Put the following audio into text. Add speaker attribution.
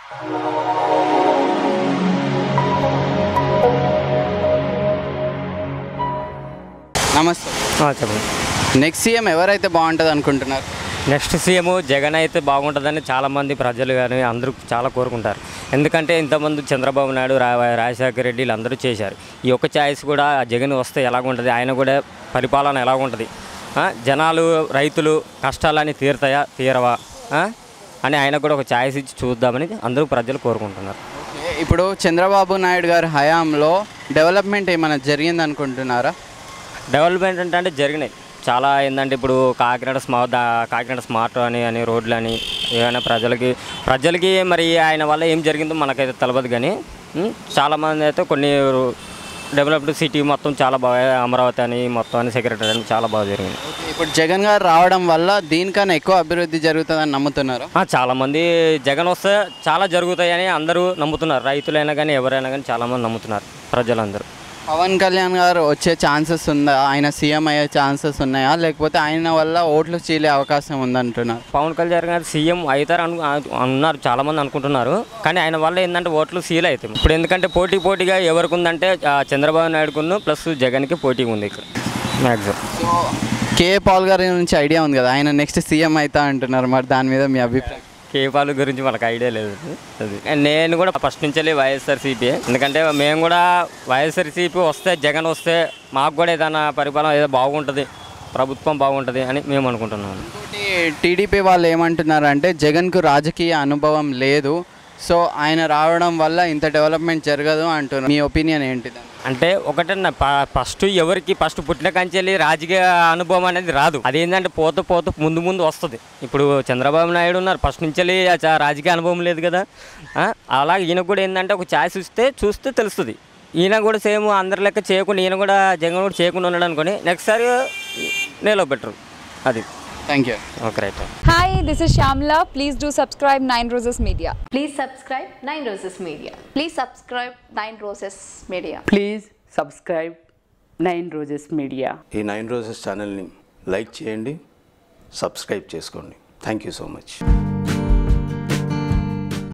Speaker 1: నమస్తే.
Speaker 2: చెప్పండి.
Speaker 1: Next CM ఎవరైతే బాగుంటుంది అనుకుంటున్నారు?
Speaker 2: నెక్స్ట్ సీఎం జగన్ అయితే బాగుంటుందని చాలామంది ప్రజలు కానీ అందరూ చాలా కోరుకుంటారు. ఎందుకంటే ఇంతకుముందు చంద్రబాబు నాయుడు, రాజశేఖర రెడ్డి వీళ్ళందరూ చేశారు. ఈ ఒక్క ఛాయిస్ కూడా జగన్ వస్తే ఎలాగుంటుంది, ఆయన కూడా పరిపాలన ఎలాగుంటుంది, జనాలు రైతులు కష్టాలని తీరవా అని ఆయన కూడా ఒక ఛాయిస్ ఇచ్చి చూద్దామని అందరూ ప్రజలు కోరుకుంటున్నారు.
Speaker 1: ఇప్పుడు చంద్రబాబు నాయుడు గారి హయాంలో డెవలప్మెంట్ ఏమైనా జరిగింది అనుకుంటున్నారా?
Speaker 2: డెవలప్మెంట్ అంటే జరిగినాయి చాలా. ఏంటంటే ఇప్పుడు కాకినాడ స్మార్ట్ అని రోడ్లు అని ఏమైనా ప్రజలకి మరి ఆయన వల్ల ఏం జరిగిందో మనకైతే తెలియదు. కానీ చాలామంది అయితే కొన్ని డెవలప్డ్ సిటీ మొత్తం చాలా బాగా, అమరావతి అని మొత్తం అని సెక్రటరీ అని చాలా బాగా జరిగింది.
Speaker 1: ఇప్పుడు జగన్ గారు రావడం వల్ల దీనికన్నా ఎక్కువ అభివృద్ధి జరుగుతుందని నమ్ముతున్నారు.
Speaker 2: చాలామంది జగన్ వస్తే చాలా జరుగుతాయని అందరూ నమ్ముతున్నారు. రైతులైనా కానీ ఎవరైనా కానీ చాలామంది నమ్ముతున్నారు ప్రజలందరూ.
Speaker 1: పవన్ కళ్యాణ్ గారు వచ్చే ఛాన్సెస్ ఉందా? ఆయన సీఎం అయ్యే ఛాన్సెస్ ఉన్నాయా, లేకపోతే ఆయన వల్ల ఓట్లు చీలే అవకాశం ఉందంటున్నారు?
Speaker 2: పవన్ కళ్యాణ్ గారు సీఎం అవుతారు అన్నారు, చాలామంది అనుకుంటున్నారు. కానీ ఆయన వల్ల ఏంటంటే ఓట్లు సీల్ అవుతాయి ఇప్పుడు. ఎందుకంటే పోటీగా ఎవరికి ఉందంటే చంద్రబాబు నాయుడుకును ప్లస్ జగన్కి పోటీ ఉంది ఇక్కడ మ్యాక్సిమం.
Speaker 1: సో కేఏ పాల్ గారి నుంచి ఐడియా ఉంది కదా, ఆయన నెక్స్ట్ సీఎం అవుతా అంటున్నారు. మరి దాని మీద మీ అభిప్రాయం?
Speaker 2: కేఏ పాల్ గురించి మనకు ఐడియా లేదు. అది నేను కూడా ఫస్ట్ నుంచి వైఎస్ఆర్సీపీ, ఎందుకంటే మేము కూడా వైఎస్ఆర్సీపీ వస్తే, జగన్ వస్తే మాకు కూడా ఏదైనా పరిపాలన ఏదో బాగుంటుంది, ప్రభుత్వం బాగుంటుంది అని మేము అనుకుంటున్నాము.
Speaker 1: ఇంకోటి టీడీపీ వాళ్ళు ఏమంటున్నారంటే జగన్కు రాజకీయ అనుభవం లేదు, సో ఆయన రావడం వల్ల ఇంత డెవలప్మెంట్ జరగదు అంటున్నారు. మీ ఒపీనియన్ ఏంటిది?
Speaker 2: అంటే ఒకటన్నా ఫస్ట్ పుట్టిన కంచెల్లి రాజకీయ అనుభవం అనేది రాదు. అదేంటంటే పోతూ ముందు వస్తుంది. ఇప్పుడు చంద్రబాబు నాయుడు ఉన్నారు, ఫస్ట్ నుంచి రాజకీయ అనుభవం లేదు కదా. అలాగే ఈయన కూడా ఏంటంటే ఒక ఛాయిస్ చూస్తే తెలుస్తుంది. ఈయన కూడా సేమ్ అందరి లెక్క చేయకుండా, ఈయన కూడా జగన్ కూడా చేయకుండా ఉన్నాడు అనుకోని నెక్స్ట్ సారి నేలో బెటర్. అది.
Speaker 1: Thank you.
Speaker 2: Okay, right.
Speaker 3: Hi, this is Shamla. Please do subscribe 9 Roses Media.
Speaker 4: Please subscribe 9 Roses Media.
Speaker 5: Please subscribe 9 Roses Media.
Speaker 6: Please subscribe 9 Roses Media.
Speaker 7: ఈ 9 Roses ఛానల్ని లైక్ చేయండి, సబ్స్క్రైబ్ చేసుకోండి. Thank you so much.